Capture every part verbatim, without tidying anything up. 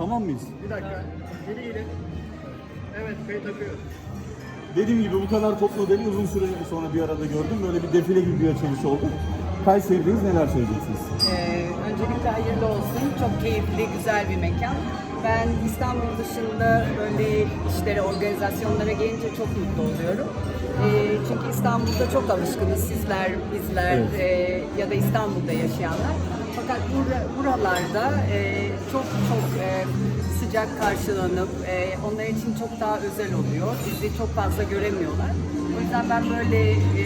Tamam mıyız? Bir dakika. Geri gelin. Evet, kayıt akıyor. Dediğim gibi bu kadar toplu değil, uzun süre sonra bir arada gördüm. Böyle bir defile gibi bir açılış oldu. Kayseri'deyiz, neler söyleyeceksiniz? Ee, öncelikle hayırlı olsun. Çok keyifli, güzel bir mekan. Ben İstanbul dışında böyle işlere, organizasyonlara gelince çok mutlu oluyorum. Ee, çünkü İstanbul'da çok alışkınız sizler, bizler Evet. e, ya da İstanbul'da yaşayanlar. Fakat bura, buralarda e, çok çok e, sıcak karşılanıp e, onlar için çok daha özel oluyor. Bizi çok fazla göremiyorlar. O yüzden ben böyle e,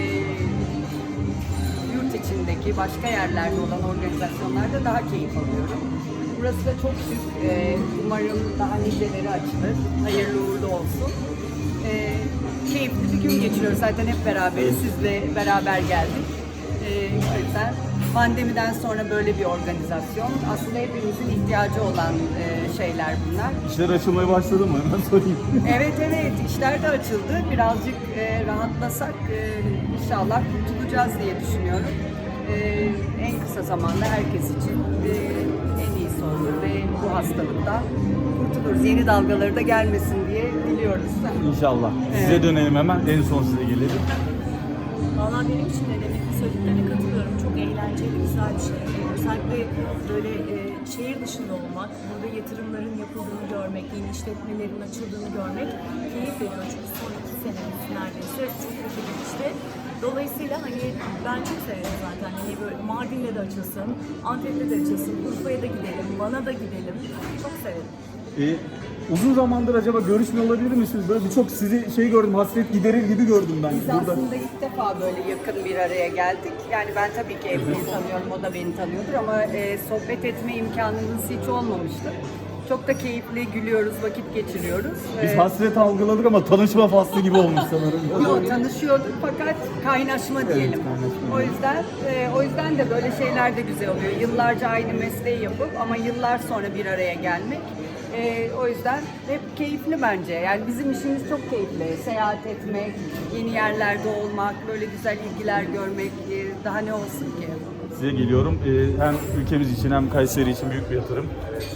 yurt içindeki başka yerlerde olan organizasyonlarda daha keyif alıyorum. Burası da çok şık. Ee, umarım daha niceleri açılır. Hayırlı uğurlu olsun. Ee, keyifli bir gün geçiriyoruz. Zaten hep beraberiz. Sizle beraber geldik. Ee, o yüzden pandemiden sonra böyle bir organizasyon. Aslında hepimizin ihtiyacı olan e, şeyler bunlar. İşler açılmaya başladı mı? Hemen sorayım. Evet evet, işler de açıldı. Birazcık e, rahatlasak e, inşallah kurtulacağız diye düşünüyorum. E, en kısa zamanda herkes için e, en iyisi olur ve bu hastalıktan kurtuluruz. Yeni dalgaları da gelmesin diye diliyoruz. İnşallah. Size Evet. dönelim hemen, en son size gelelim. Valla benim için de demek ki söylediklerine katılıyorum. Çok eğlenceli, güzel bir şey. Özellikle böyle e, şehir dışında olmak, burada yatırımların yapıldığını görmek, yeni işletmelerin açıldığını görmek keyif veriyor. Çünkü son iki senemiz neredeyse çok kötü geçti. Dolayısıyla hani ben çok severim zaten. Hani böyle Mardin'de de açılsın, Antep'te de açılsın, Urfa'ya da gidelim, Van'a da gidelim. Çok severim. Ee, uzun zamandır acaba görüşmüyor olabilir misiniz? Böyle birçok sizi şey gördüm, hasret giderir gibi gördüm ben Biz burada. aslında ilk defa böyle yakın bir araya geldik. Yani ben tabii ki Emre'yi tanıyorum, o da beni tanıyordur ama e, sohbet etme imkanımız hiç olmamıştı. Çok da keyifli, gülüyoruz, vakit geçiriyoruz. Biz Ee, hasret algıladık ama tanışma faslı gibi olmuş sanırım. Yok, tanışıyorduk fakat kaynaşma diyelim. kaynaşma. O yüzden e, o yüzden de böyle şeyler de güzel oluyor. Yıllarca aynı mesleği yapıp ama yıllar sonra bir araya gelmek. E, o yüzden hep keyifli bence. Yani bizim işimiz çok keyifli. Seyahat etmek, yeni yerlerde olmak, böyle güzel ilgiler görmek e, daha ne olsun ki? Size geliyorum. Ee, hem ülkemiz için hem Kayseri için büyük bir yatırım.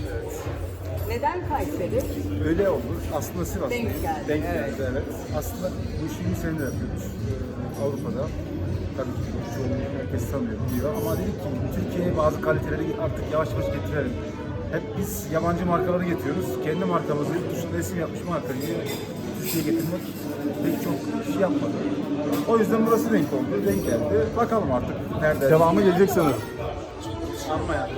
Neden Kayseri? Öyle olur. Aslında Sivas'tayız. Denk geldi, Denk evet. geldi, evet. Aslında bu işi yirmi senedir yapıyoruz. Ee, Avrupa'da. Tabii ki çoğunluğu herkes tanıyor, biliyor. Ama dedik ki Türkiye'ye bazı kaliteleri artık yavaş yavaş getirelim. Hep biz yabancı markaları getiriyoruz. Kendi markamızı, yurt dışında resim yapmış markayı Türkiye'ye getirmek pek çok şey yapmadı. O yüzden burası denk oldu, denk geldi. Bakalım artık nerede? Devamı gelecek sanırım. Sanma yani.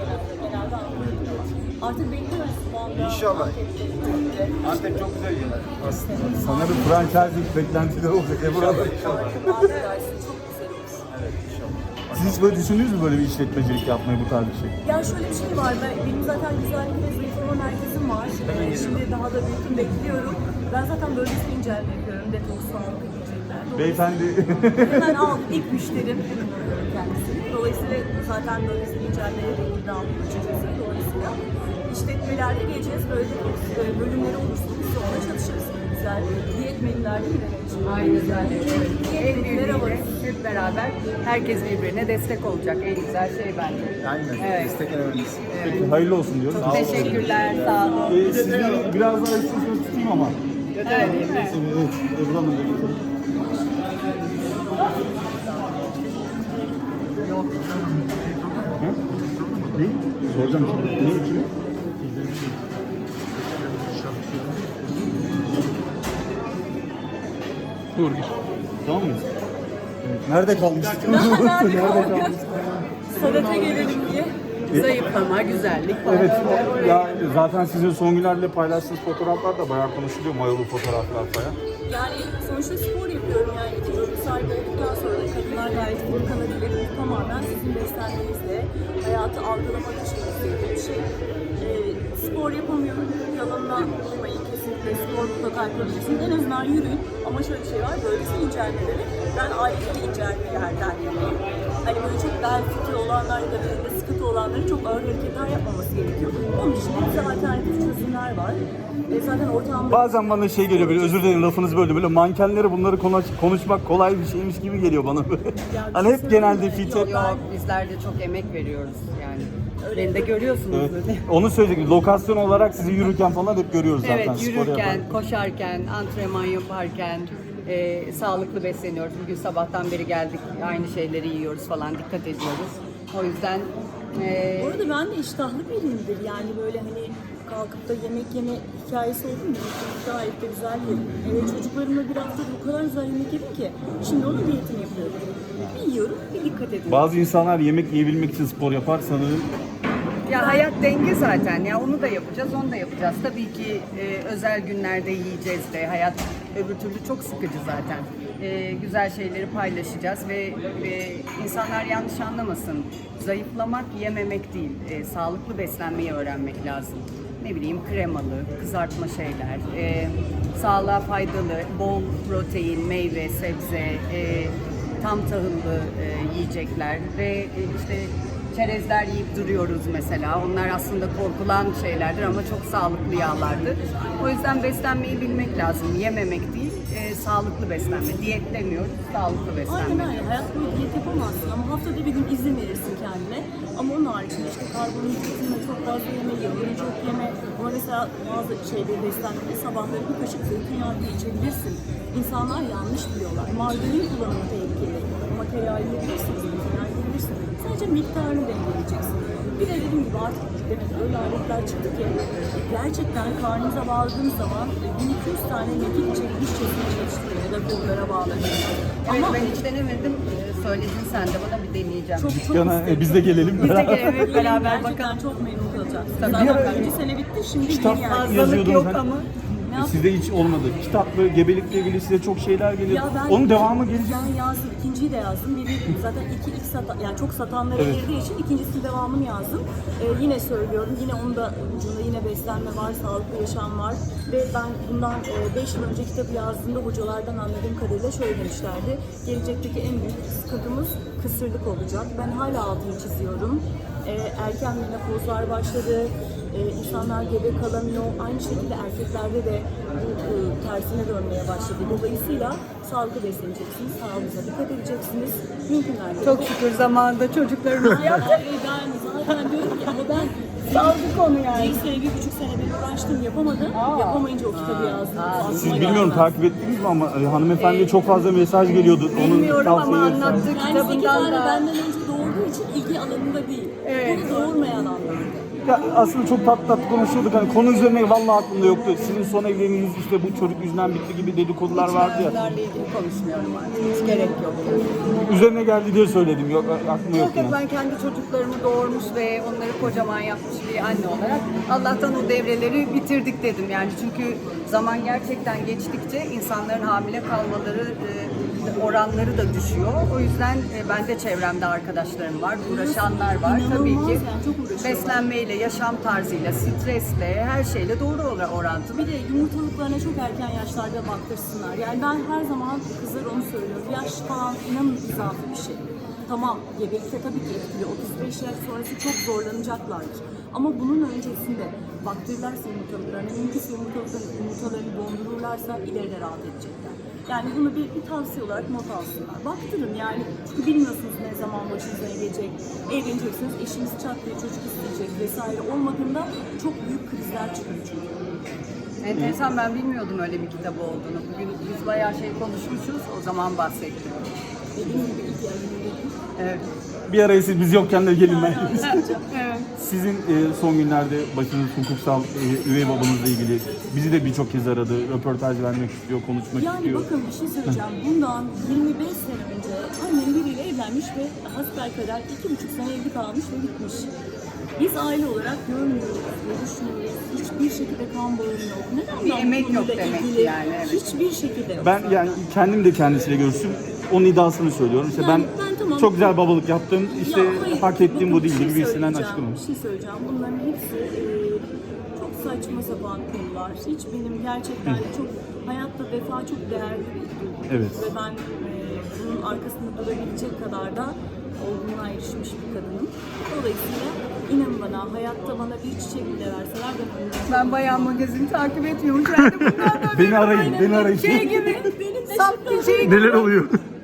Artık bekliyoruz bu anda. İnşallah. Antep çok güzel yerler aslında. Sanırım franchising beklentileri olacak ya burada. İnşallah. Çok güzel olur. Evet, inşallah. Siz hiç böyle düşündünüz mü böyle bir işletmecilik yapmayı, bu tarz bir şey? Ya şöyle bir şey var, ben, benim zaten güzellik ve zayıflama merkezim var. Ee, şimdi daha da büyütüm bekliyorum. Ben zaten bölgesel incelme yapıyorum, detoks, sağlık, yiyecekler. Beyefendi. Hemen aldım, ilk müşterim, hemen alıyorum kendisini. Dolayısıyla zaten bölgesel incelmelere de ilgi aldım açıkçası. Dolayısıyla işletmelerde geleceğiz, böyle detoks e, bölümleri oluşturup biz onunla çalışırız. Güzel, diyet menülerde gidelim. Aynen öyle. Evet. El Menüler birliğiyle alırız. hep beraber herkes birbirine destek olacak. En güzel şey bence. Aynen. Evet. Destek en önemlisi. Peki, hayırlı olsun diyoruz. Çok teşekkürler, sağ olun. Ee, sizi biraz daha istiyorsanız tutayım ama. Evet, değil mi? Evet, Ebru Hanım da geçelim. Hı? Ne? Soracağım şimdi. Ne için? Dur gir. Tamam mıyız? Evet. Nerede kalmıştık? Nerede kalmıştık? Sanata gelelim diye. Zayıflama, güzellik falan. Evet, o- ya zaten sizin son günlerde paylaştığınız fotoğraflar da bayağı konuşuluyor, mayolu fotoğraflar falan. Yani sonuçta spor yapıyorum, yani iki çocuk sahibi olduktan sonra da kadınlar gayet bunu kanabilir. Bu tamamen sizin beslenmenizle, hayatı algılamak için istediğim bir şey. Ee, spor yapamıyorum, yalanından olmayın, kesinlikle spor mutlaka yapabilirsiniz. En azından yürüyün, ama şöyle bir şey var, böylesi incelmeleri ben ailece incelmelerden yanayım. Hani böyle çok bel fıtığı olanlar ya da belinde sıkıntı olanların çok ağır hareketler yapmaması gerekiyor. Onun için bize alternatif çözümler var. E zaten ortamda... Bazen bana şey geliyor, böyle özür dilerim lafınızı böyle böyle mankenlere bunları konuş, konuşmak kolay bir şeymiş gibi geliyor bana böyle. Hani hep genelde fit hep... Yok, bizler de çok emek veriyoruz yani. Öyle Beni de görüyorsunuz. Evet. Böyle. Onu söyledik. Lokasyon olarak sizi yürürken falan hep görüyoruz zaten. Evet, spor yürürken, yaparken. koşarken, antrenman yaparken e, sağlıklı besleniyoruz. Bugün sabahtan beri geldik, aynı şeyleri yiyoruz falan, dikkat ediyoruz. O yüzden e, Bu arada ben de iştahlı biriyimdir. Yani böyle hani kalkıp da yemek yeme hikayesi oldu mu? Gayet de güzel yerim. Evet, çocuklarımla bir haftada o kadar güzel yemek yedim ki. Şimdi onun diyetini yapıyorum. Bir yiyorum, bir dikkat ediyorum. Bazı insanlar yemek yiyebilmek için spor yapar sanırım. ya hayat denge zaten. Ya onu da yapacağız, onu da yapacağız. Tabii ki e, özel günlerde yiyeceğiz de. Hayat öbür türlü çok sıkıcı zaten. E, güzel şeyleri paylaşacağız ve e, insanlar yanlış anlamasın. Zayıflamak yememek değil. E, sağlıklı beslenmeyi öğrenmek lazım. Ne bileyim kremalı, kızartma şeyler, e, sağlığa faydalı, bol protein, meyve, sebze, e, tam tahıllı e, yiyecekler ve e, işte çerezler yiyip duruyoruz mesela. Onlar aslında korkulan şeylerdir ama çok sağlıklı yağlardır. O yüzden beslenmeyi bilmek lazım. Yememek değil, e, sağlıklı beslenme. Diyet demiyoruz, sağlıklı beslenme. Aynen öyle. Hayat boyu diyet yapamazsın ama haftada bir gün izin verirsin kendine. Ama onun haricinde işte karbonhidratını çok fazla yeme, yağını çok yeme. Ama mesela bazı şeyleri beslenmede sabahları bir kaşık zeytinyağı içebilirsin. İnsanlar yanlış biliyorlar. Margarin kullanımı tehlikeli. Ama tereyağı yiyebilirsiniz, zeytinyağı yiyebilirsiniz. Sadece miktarını dengeleyeceksin. Bir de dediğim gibi artık demek öyle aletler çıktı ki gerçekten karnınıza bağladığınız zaman bin iki yüz tane mekik çekmişçesine çalıştırıyor ya da kollara bağlanıyor. Evet, Ama ben hiç denemedim. Ee, Söyledin sen de bana, bir deneyeceğim. çok çok Yana, isterim. e, biz de gelelim. Biz de gelelim hep beraber Gerçekten bakalım. çok memnun kalacaksınız. Tabii. Zaten Bir ara- birinci sene bitti, şimdi Kitap yeni geldi. Fazlalık yazıyordunuz yok hani. ama. Ne yapayım? Sizde hiç olmadı. Kitapla, gebelikle ilgili size çok şeyler geliyor. Ya ben- Onun devamı gelecek. Ben yazdım, ikinciyi de yazdım. Biri zaten iki ilk satan, yani çok satanlara Evet. girdiği için ikincisinin devamını yazdım. Ee, yine söylüyorum, yine onun da ucunda yine beslenme var, sağlıklı yaşam var. Ve ben bundan beş yıl önce kitabı yazdığımda hocalardan anladığım kadarıyla şöyle demişlerdi. Gelecekteki en büyük sıkıntımız kısırlık olacak. Ben hala altını çiziyorum. Ee, erken menopozlar başladı. Ee, insanlar gebe kalamıyor. Aynı şekilde erkeklerde de bu e, tersine dönmeye başladı. Dolayısıyla sağlıklı besleneceksiniz, sağlığınıza dikkat edeceksiniz. Mümkün mertebe. Çok şükür zamanında çocuklarımız yaptı. Ay, ben zaten diyorum ki ama ben Saldık onu yani. bir sene, bir buçuk sene bir uğraştım, yapamadım. Aa. Yapamayınca o kitabı yazdım. Aklıma Siz bilmiyorum gelmez. takip ettiniz mi ama e, hanımefendiye çok fazla mesaj geliyordu. Onun Bilmiyorum ama tavsiyeleri falan. anlattığı Yani sekiz kitabından tane da. benden önce doğurduğu için ilgi alanında değil. Evet. Bunu doğurmayan anlamda. Ya aslında çok tatlı tatlı konuşuyorduk. Hani konu üzerine vallahi aklımda yoktu. Sizin son evliliğiniz işte bu çocuk yüzünden bitti gibi dedikodular vardı ya. Bunlarla ilgili konuşmuyorum artık. Hiç gerek yok. Yani. Üzerine geldi diye söyledim. Yok aklıma yok Yok yok, yani. ben kendi çocuklarımı doğurmuş ve onları kocaman yapmış bir anne olarak Allah'tan o devreleri bitirdik dedim yani, çünkü zaman gerçekten geçtikçe insanların hamile kalmaları e, oranları da düşüyor. O yüzden e, ben de çevremde arkadaşlarım var, uğraşanlar var İnanılmaz tabii ki. yani, çok uğraşıyorlar. Beslenmeyle, yaşam tarzıyla, stresle, her şeyle doğru ora- orantılı. Bir de yumurtalıklarına çok erken yaşlarda baktırsınlar. Yani ben her zaman kızlar onu söylüyorum. Yaş falan inanın izafi bir şey. Tamam, gebelikte tabii ki etkili. otuz beş yaş sonrası çok zorlanacaklardır. Ama bunun öncesinde baktırırlarsa yumurtalıklarına, mümkünse yumurtalıklarını, yumurtalarını dondururlarsa ileride rahat edecekler. Yani bunu bir, bir tavsiye olarak not alsınlar. Baktırın yani, çünkü bilmiyorsunuz ne zaman başınıza ne gelecek. Evleneceksiniz, eşiniz çat diye çocuk isteyecek vesaire. Olmadığında çok büyük krizler çıkıyor çünkü. Enteresan, ben bilmiyordum öyle bir kitabı olduğunu. Bugün biz bayağı şey konuşmuşuz, o zaman bahsettim. Dediğim gibi ilk evliliğim. Evet. Bir araya siz biz yokken de gelin ben. Evet. Sizin e, son günlerde başınız hukuksal e, üvey babanızla ilgili bizi de birçok kez aradı. Röportaj vermek istiyor, konuşmak Yani şey istiyor. bakın bir şey söyleyeceğim. Bundan yirmi beş sene önce annem biriyle evlenmiş ve hasbelkader iki buçuk sene evli kalmış ve bitmiş. Biz aile olarak görmüyoruz, görüşmüyoruz. Hiçbir şekilde kan bağım yok. Neden Bir ben bu emek yok konuyla demek ilgili yani, evet. Hiçbir şekilde yok. Ben yani kendim de kendisiyle görüştüm. Onun iddiasını söylüyorum. İşte Yani ben, ben tamam- çok güzel babalık yaptım. İşte Ya hayır, hak ettiğim bakın bu değil bir şey gibi birisinden söyleyeceğim, açıklama. Bir şey söyleyeceğim. Bunların hepsi e, çok saçma sapan konular. Hiç benim gerçekten çok hayatta vefa çok değerli bir duygu. Evet. Ve ben e, bunun arkasında durabilecek kadar da olgunluğa erişmiş bir kadınım. Dolayısıyla inanın bana, hayatta bana bir çiçek bile verseler ben onu Ben bayağı magazini takip etmiyorum. Ben de bundan da Beni arayın, beni arayın. şey gibi, Benim de sap bir şey gibi. Neler oluyor?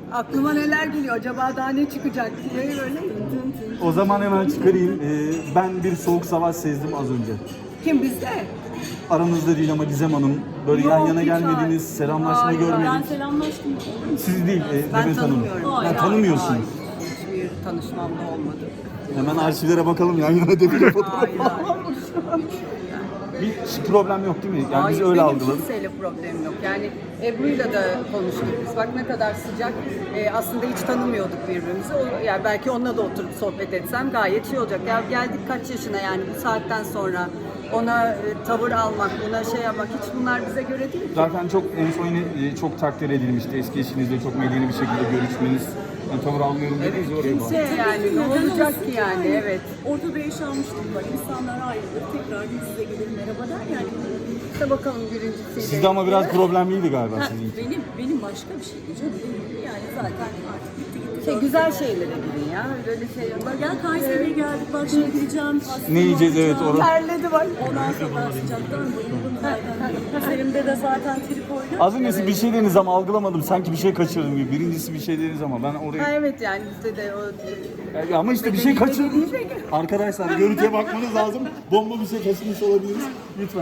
Aklıma neler geliyor, acaba daha ne çıkacak diye böyle tın tın tın. O zaman hemen çıkarayım. Ee, ben bir soğuk savaş sezdim az önce. Kim bizde? Aranızda değil ama Gizem Hanım. Böyle Yok, yan yana hiç gelmediniz, hayır. selamlaşma Hayır, Ben görmedik. selamlaştım. Siz değil, e, Ben Demet Hanım. tanımıyorum. Ha, Hayır, tanımıyorsunuz. Hayır, hiçbir tanışmam da olmadı. Hemen arşivlere bakalım yan yana defile fotoğrafı. Hayır, hayır. Bir problem yok değil mi? Yani Hayır, biz öyle benim algıladık. kimseyle problemim yok. Yani Ebru'yla da konuştuk biz. Bak ne kadar sıcak. Ee, aslında hiç tanımıyorduk birbirimizi. O, yani belki onunla da oturup sohbet etsem gayet şey olacak. Ya geldik kaç yaşına yani bu saatten sonra ona e, tavır almak, ona şey yapmak hiç bunlar bize göre değil. Zaten çok en son yine e, çok takdir edilmişti. Eski eşinizle çok medeni bir şekilde görüşmeniz. Yani tavır almıyorum Evet, dediniz ya oraya kimse bağlı. yani ne Neden olacak olsun ki yani evet. Ortada yaşanmıştık var. İnsanlar ayrılır, tekrar yüz yüze gelir, merhaba der yani. İşte bakalım birincisiyle. Sizde ama biraz problemliydi galiba Ha, sizin. benim benim başka bir şeydi canım. Benim yani zaten artık bitti gitti. Şey, güzel şeylere gidin ya. Böyle şey Bak gel Kayseri'ye geldik bak şimdi gideceğim. pasta Ne yiyeceğiz, evet, yapacağım. orada. terledi bak. Ondan sonra sıcaktan bayıldım zaten. Üzerimde de zaten trikoydu. Az öncesi bir şey dediniz ama algılamadım. Sanki bir şey kaçırdım gibi. Birincisi bir şey dediniz ama ben Ha, oraya... evet yani bizde de o Yani ama işte bir şey Bedeni kaçırdım. dediği şey- Arkadaşlar görüntüye bakmanız lazım. Bomba bir şey kaçırmış olabiliriz. Lütfen.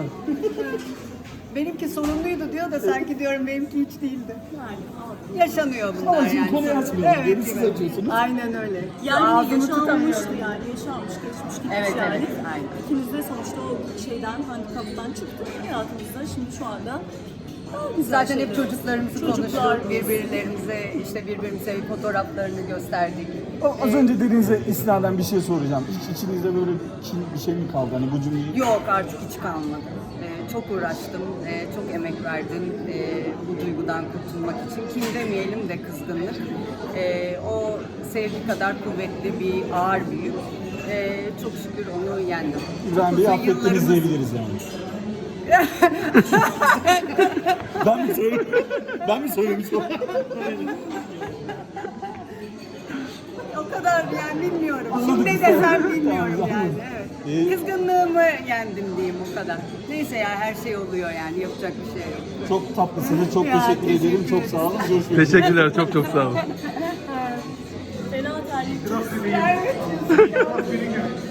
benimki sorunluydu diyor da sanki diyorum benimki hiç değildi. Yani abi. Yaşanıyor bunlar Ama şimdi yani. konuyu açmayalım. Geri siz gibi. açıyorsunuz. Aynen öyle. Yani Ağzını yaşanmıştı tutamıyorum. yani yaşanmış geçmiş gitmiş Evet, yani. evet, aynen. İkimiz de sonuçta o şeyden handikaptan çıktık hayatımızda şimdi şu anda daha güzel Zaten hep şeyler. çocuklarımızı Çocuklar- konuştuk, birbirlerimize işte birbirimize fotoğraflarını gösterdik. O az önce dediğinize istinaden bir şey soracağım. Hiç içinizde böyle kin bir şey mi kaldı? Hani bu cümleyi... Yok artık hiç kalmadı. Ee, çok uğraştım, ee, çok emek verdim ee, bu duygudan kurtulmak için. Kin demeyelim de kızgınlık. Ee, o sevgi kadar kuvvetli bir ağır bir yük. Ee, çok şükür onu yendim. İbrahim Bey'i Uzun affettiniz yıllarımız- diyebiliriz yani. ben mi söyledim? Ben mi söylemişim? O kadar yani bilmiyorum. Anladım. Şimdi ne desem bilmiyorum Tamam, yani. anladım. Evet. Ee, Kızgınlığımı yendim diyeyim o kadar. Neyse ya her şey oluyor yani yapacak bir şey yok. Çok tatlısınız. Çok Ya, teşekkür ederim. teşekkür Çok sağ olun. Görüşmek üzere. Teşekkürler, çok çok sağ olun. Fena terlikçi.